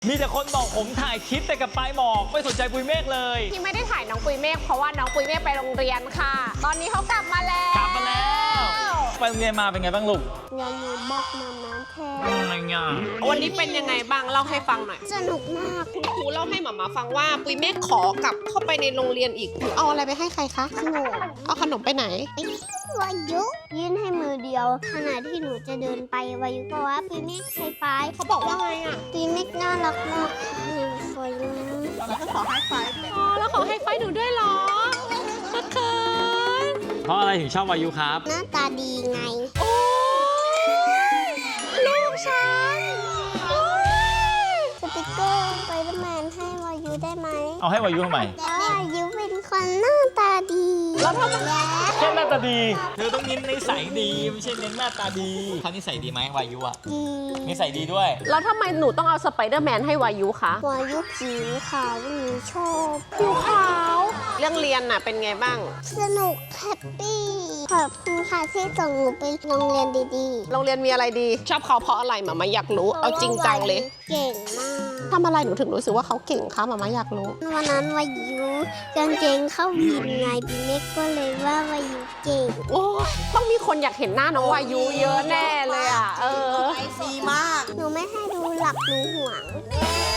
มีแต่คนบอกผมถ่ายคลิปแต่กับปลายหมอกไม่สนใจปุยเมฆเลยที่ไม่ได้ถ่ายน้องปุยเมฆเพราะว่าน้องปุยเมฆไปโรงเรียนค่ะ ตอนนี้เขากลับมาแล้วกลับมาแล้วไปโรงเรียนมาเป็นไงบ้างลูกอย่าอยู่บอกมาม้าแทนอะไรเงี้ยวันนี้เป็นยังไงบ้างเล่าให้ฟังหน่อยสนุกมากคุณครูเล่าให้หมาฟังว่าปุยเมฆขอกลับเข้าไปในโรงเรียนอีกหนูเอาอะไรไปให้ใครคะขนมเอาขนมไปไหนวายุยื่นให้มือเดียวขณะที่หนูจะเดินไปวายุบอกว่าปีเมฆไฮไฟว์เขาบอกว่าไงอ่ะปีเมฆน่ารักมากหนูสวยนะแล้วก็ขอให้ไฟอ๋อแล้วขอให้ไฟหนูด้วยเหรอเขินเพราะอะไรถึงชอบวายุครับหน้าตาดีไงโอ้ยลูกฉันโอ้ยสติกเกอร์ไปเดอร์แมนให้วายุได้ไหมเอาให้วายุทำไมแต่วายุเป็นคนหน้าตาดีแล้วทำไมแค่หน้าตาดีเธอต้องเน้นนิสัยดีไม่ใช่เน้นหน้าตาดีเขานิสัยดีไหมวายุอะดีนิสัยดีด้วยแล้วทำไมหนูต้องเอาสไปเดอร์แมนให้วายุคะวายุผิวขาวหนูชอบผิวขาวเรื่องเรียนน่ะเป็นไงบ้างสนุกแฮปปี้ขอบคุณค่ะที่ส่งหนูไปโรงเรียนดีๆโรงเรียนมีอะไรดี ชอบเขาเพราะอะไรหมาอยากรู้เอาจริงจังเลยเก่งมากทำอะไรหนูถึงรู้สึกว่าเขาเก่งคะหมาอยากรู้วันนั้นวายุกางเกงเข้าวินไงพี่เมฆก็เลยว่าวายุเก่งโอ้ยต้องมีคนอยากเห็นหน้าน้องวายุเยอะแน่เลยอ่ะหนูไม่ให้ดูหลักหนูห่วง